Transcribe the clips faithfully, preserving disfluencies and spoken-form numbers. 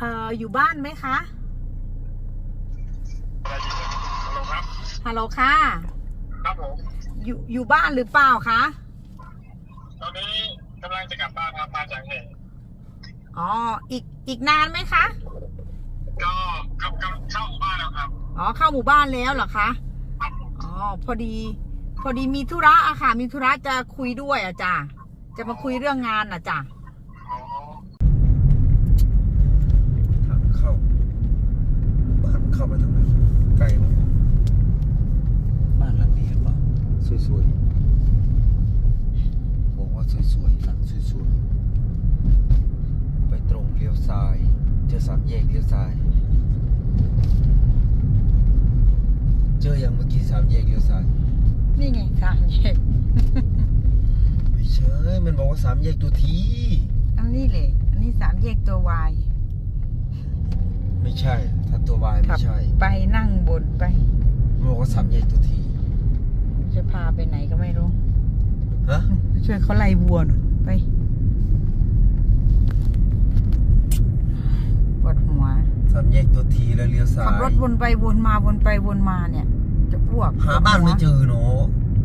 อออยู่บ้านไหมคะฮัลโหลครับฮัลโหลค่ะครับผมอยู่อยู่บ้านหรือเปล่าคะตอนนี้กำลังจะกลับบ้านครับมาจากเหตุอ๋ออีกอีกนานไหมคะก็กำลังเข้าบ้านแล้วครับอ๋อเข้าหมู่บ้านแล้วเหรอคะอ๋อพอดีพอดีมีธุระอะค่ะมีธุระจะคุยด้วยอะจ้ะจะมาคุยเรื่องงานอะจ้ะทางเข้าบ้านเข้าไปทางไหนไกลไหมบ้านหลังนี้หรือเปล่าสวยๆบอกว่าสวยๆหลังสวยๆไปตรงเลี้ยวซ้ายเจอสามแยกเลี้ยวซ้ายเจออย่างเมื่อกี้สามแยกเลี้ยวซ้ายนี่ไงสามแยกไม่ใช่มันบอกว่าสามแยกตัวทีอันนี้เลยอันนี้สามแยกตัววายไม่ใช่ถ้าตัววายไม่ใช่ไปนั่งบนไปมันบอกว่าสามแยกตัวทีจะพาไปไหนก็ไม่รู้ฮะช่วยเขาไล่วัวหน่อยไปปวดหัวสามแยกตัวทีแล้วเลี้ยวซ้ายขับรถวนไปวนมาวนไปวนมาเนี่ยจะอ้วกหาบ้านไม่เจอเนาะ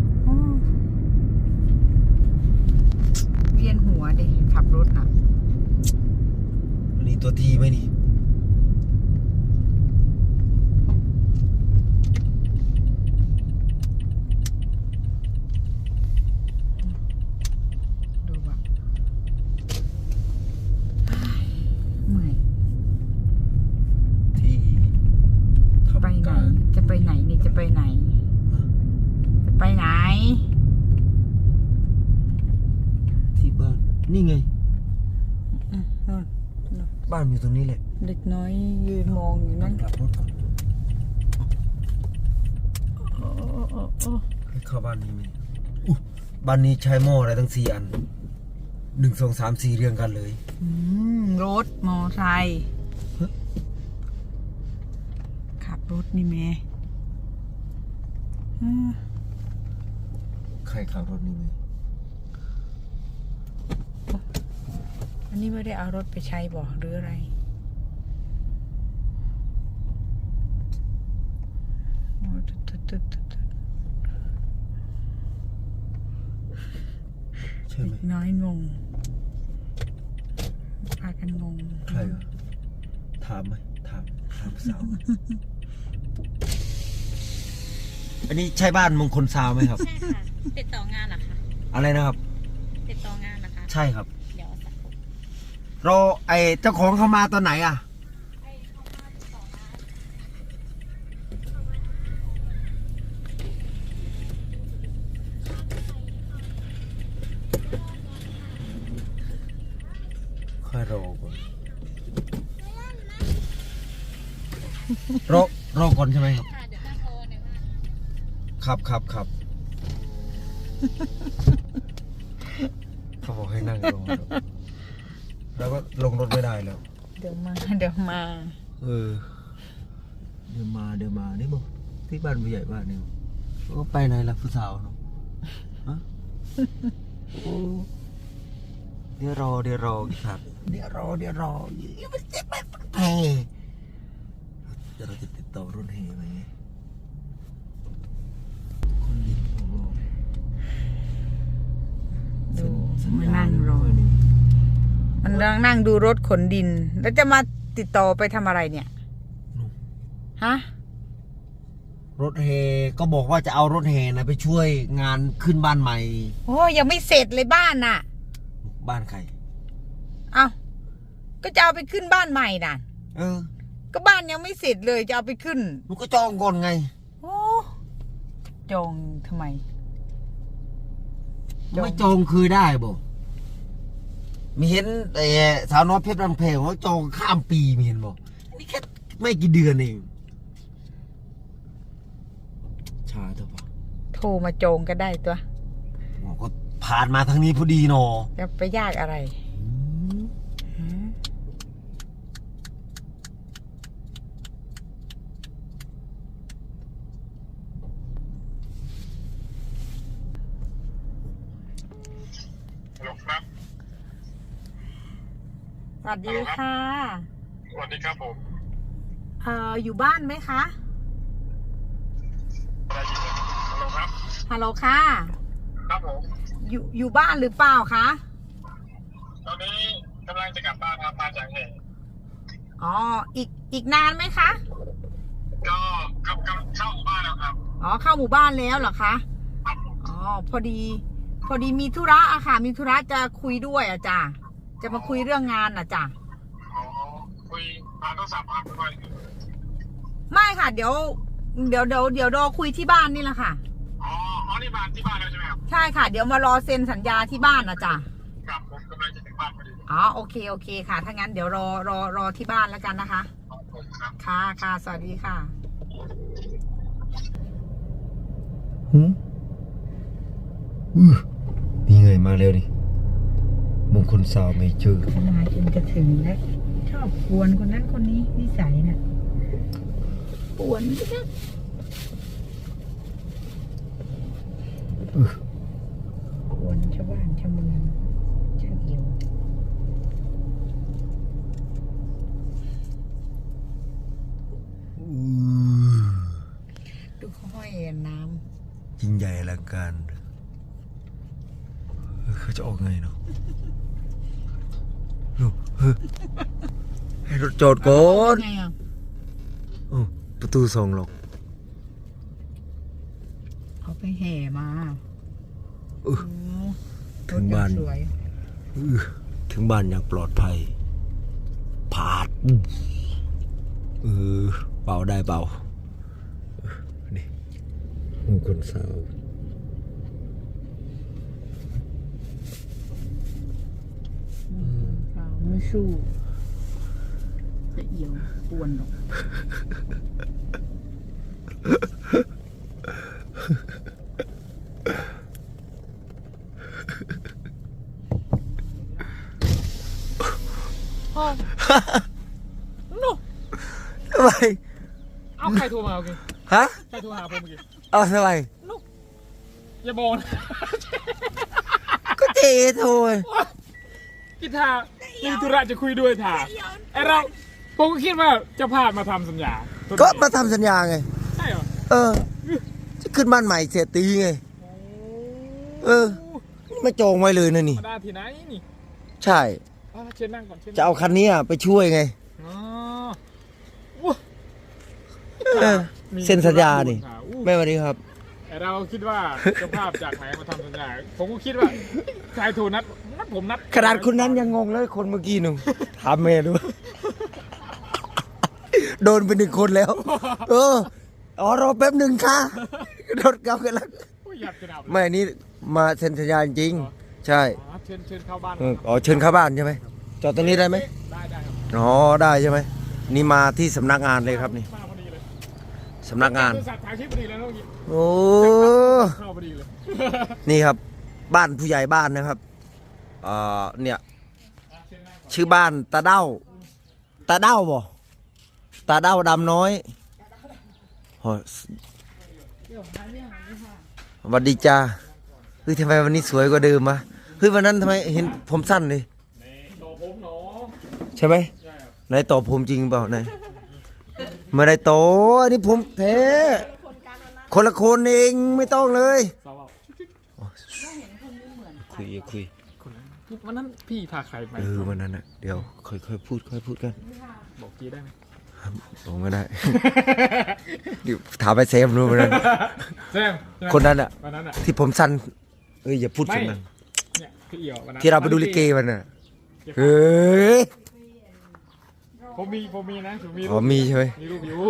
เวียนหัวดิขับรถน่ะนี่ตัวทีไหมนี่ดูแบบเมื่อยที่ไปไหนจะไปไหนนี่จะไปไหนจะไปไหนที่บ้านนี่ไงนู่นบ้านอยู่ตรงนี้แหละเด็กน้อยยืนมองอยู่นั่นกลับรถก่อนโอ้โอ้โอ้ให้เข้าบ้านนี้ไหมอุ๊ยบ้านนี้ใช้หม้ออะไรตั้งสี่อันหนึ่งสองสามสี่เรียงกันเลยอืมรถมอไซค์ขับรถนี่แม่ใครขับรถนี่ไหมอันนี้ไม่ได้เอารถไปใช้บ่หรืออะไรโอ้ตึ๊ดตึ๊ดตึ๊ดตึ๊ดใช่ไหมน้อยงงพากันงงใครอ่ะถามไหมถามถามสาว อันนี้ใช่บ้านมงคลซาวไหมครับใช่ค่ะติดต่องานเหรอคะอะไรนะครับติดต่องานนะคะใช่ครับเดี๋ยวสักครู่รอไอเจ้าของเขามาตอนไหนอ่ะค่อยรอก่อนรอรอก่อนใช่ไหมครับค่ะเดี๋ยวตั้งโทรหนึ่งค่ะครับครับครับเขาบอกให้นั่งรอแล้วก็ลงรถไม่ได้แล้วเดี๋ยวมาเดี๋ยวมาเออเดี๋ยวมาเดี๋ยวมานี่บอกที่บ้านผู้ใหญ่บ้านนี่ก็ไปไหนล่ะผู้สาวเนาะฮะเดี๋ยวรอเดี๋ยวรอครับเดี๋ยวรอเดี๋ยวรอยังไม่เจ็บไม่แพ้เดี๋ยวเราจะติดต่อรถเฮไหมคนดินของเราดูมานั่งรอมันนั่งนั่งดูรถขนดินแล้วจะมาติดต่อไปทำอะไรเนี่ยฮะรถเฮก็บอกว่าจะเอารถเฮนะไปช่วยงานขึ้นบ้านใหม่โอ้ยังไม่เสร็จเลยบ้านน่ะบ้านใครเอ้าก็จะเอาไปขึ้นบ้านใหม่น่ะเออก็บ้านยังไม่เสร็จเลยจะเอาไปขึ้นมันก็จองก่อนไงโอ้จองทำไมไม่จองคือได้บ่มีเห็นไอ้สาวน้อยเพชรลำเพลว่าจองข้ามปีมีเห็นบ่นี่แค่ไม่กี่เดือนเองชาเถอะปะโทรมาจองก็ได้ตัวก็ผ่านมาทางนี้พอดีเนาะจะไปยากอะไรฮัลโหลครับสวัสดีค่ะสวัสดีครับผมเอ่ออยู่บ้านไหมคะได้ยินเลยฮัลโหลครับฮัลโหลค่ะครับผมอยู่อยู่บ้านหรือเปล่าคะตอนนี้กำลังจะกลับบ้านครับมาจากเหตุอ๋ออีกอีกนานไหมคะก็กำลังเข้าบ้านแล้วครับอ๋อเข้าหมู่บ้านแล้วเหรอคะครับผมอ๋อพอดี พอดีมีธุระอะค่ะ มีธุระจะคุยด้วยอะจ้ะจะมาคุยเรื่องงานอะจ้ะอ๋อคุยทางโทรศัพท์ครับด้วยไม่ค่ะ เดี๋ยว เดี๋ยวเดี๋ยวเดี๋ยวรอคุยที่บ้านนี่แหละค่ะอ๋ออ๋อนี่บ้านที่บ้านแล้วใช่ไหมครับใช่ค่ะ เดี๋ยวมารอเซ็นสัญญาที่บ้านนะจ้ะครับผมกำลังจะถึงบ้านพอดีอ๋อโอเคโอเคค่ะ ถ้างั้นเดี๋ยวรอรอรอที่บ้านแล้วกันนะคะขอบคุณครับค่ะค่ะสวัสดีค่ะหืมอือนี่ไงมาแล้วนี่มงคลสาวไม่เจอมาจนจะถึงแล้วชอบกวนคนนั้นคนนี้นิสัยน่ะกวนจังอือกวนชาวบ้านชาวเมืองช่างเอียวอือดูเขาห้อยน้ยิ่งใหญ่อลังการเออเขาจะออกไงเนาะดูเฮ้ยให้รถจอดำก่อนไงอ่ะโอ้ประตูสองหรอกเขาไปแห่มาเออโอ้ถึงบ้านรถยังสวยอื้อถึงบ้านอย่างปลอดภัยผาดเออเบาได้เบาเออนี่มงคลสาวสาวไม่สู้จะเอียวกวนหรอกพ่อโน่ทำไมเอาใครโทรมาโอเคฮะใครโทรหาผมเมื่อกี้เอาทำไมอย่าบอกนะก็เจโทรกีตาร์มีธุระจะคุยด้วยถ่าไอเราผมก็คิดว่าเจะพาพมาทำสัญญาก็มาทำสัญญาไงใช่เหรอเออ จะขึ้นบ้านใหม่เสียตีไง เออ ไม่จองไว้เลยนะนี่มาได้ที่ไหนนี่ใช่อ่ะเชิญนั่งก่อนเชิญจะเอาคันนี้อะไปช่วยไงอ๋ออู้เออมีเซ็นสัญญานี่ธุระด่วอู้แม่สวัสดีครับไอเราคิดว่าเจ้าภาพจากไหนมาทำสัญญา ผมก็คิดว่าชายโทรนัดนัดผมนัดขนาดคนนั้นยังงงเลยคนเมื่อกี้หนูถามแม่ดู โดนไปหนึ่งคนแล้ว เออ อ๋อรอแป๊บหนึ่งค่ะรถกลับกันแล้วโอ้ยอยากจะดับเลยไม่อันนี้มาเซ็นสัญญาจริง ใช่อ๋อเชิญเชิญเข้าบ้านเอออ๋อเชิญเข้าบ้านใช่ไหมจอดตรงนี้ได้ไหมได้ได้ครับอ๋อได้ใช่ไหมนี่มาที่สำนักงานเลยครับนี่มาพอดีเลยสำนักงานบริษัทถ่ายคลิปพอดีเลยเมื่อกี้โอ้เข้าพอดีเลยนี่ครับ บ้านผู้ใหญ่บ้านนะครับเอ่อเนี่ยชื่อบ้านตาเด้าตาเด้าบ่ตาเด้าดำน้อยโอ้ยสวัสดีจ้าเฮ้ยทำไมวันนี้สวยกว่าเดิมวะเฮ้ยวันนั้นทำไมเห็นผมสั้นเลยต่อผมหนอใช่ไหมใช่ครับไหนต่อผมจริงเปล่าไหนไม่ได้โตอันนี้ผมแท้คนละคนเองไม่ต้องเลยสาวเอาคุยคุยคนนั้นวันนั้นพี่พาใครไปเออวันนั้นอ่ะเดี๋ยวค่อยค่อยพูดค่อยพูดกันบอกกี้ได้ไหมผมก็ได้ เดี๋ยวถามไปเซฟรู้วันนั้นแซมใช่ไหมคนนั้นอ่ะวันนั้นอ่ะที่ผมสั้นเอ้ยอย่าพูดเสียงดังเนี่ยพี่เอี่ยววันนั้นที่เราไปดูลิเกวันน่ะเฮ้ยผมมีผมมีนะผมมีอ๋อมีใช่ไหมมีรูปอยู่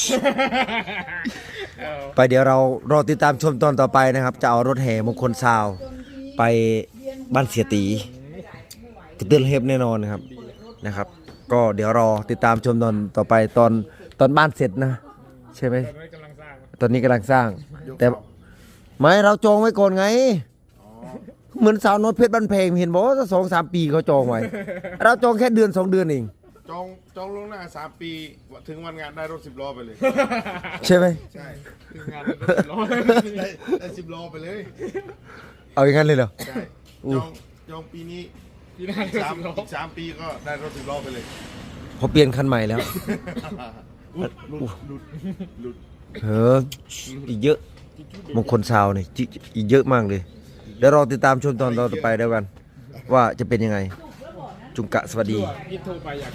เออไปเดี๋ยวเรารอติดตามชมตอนต่อไปนะครับ จะเอารถแห่มงคลซาวไปบ้านเสียตีกระเตือนเฮฟแน่นอนนะครับนะครับ ก็เดี๋ยวรอติดตามชมตอนต่อไปตอนตอนบ้านเสร็จนะ ใช่ไหมตอนนี้กำลังสร้างตอนนี้กำลังสร้าง แต่ไม่เราจองไว้ก่อนไง เหมือนสาวน้อยเพชรบ้านเพลงเห็นบอกว่าสองสามปีเขาจองไว้ เราจองแค่เดือนสองเดือนเองจองจองล่วงหน้าสามปีถึงวันงานได้รถสิบล้อไปเลยใช่ไหมใช่ทีมงานเป็นรถร้อยได้ได้สิบล้อไปเลยเอาอย่างนั้นเลยเหรอใช่อู้จองจองปีนี้พี่หน้าสามสิบล้ออีกสามปีก็ได้รถสิบล้อไปเลยเพอเปลี่ยนคันใหม่แล้วหลุดหลุดหลุดหลุดเอออีกเยอะมงคลซาวนี่จิอีกเยอะมากเลยเดี๋ยวรอติดตามชมตอนต่อไปเดียวกัน ว่าจะเป็นยังไง จุงกะสวัสดีพี่โทรไปอยาก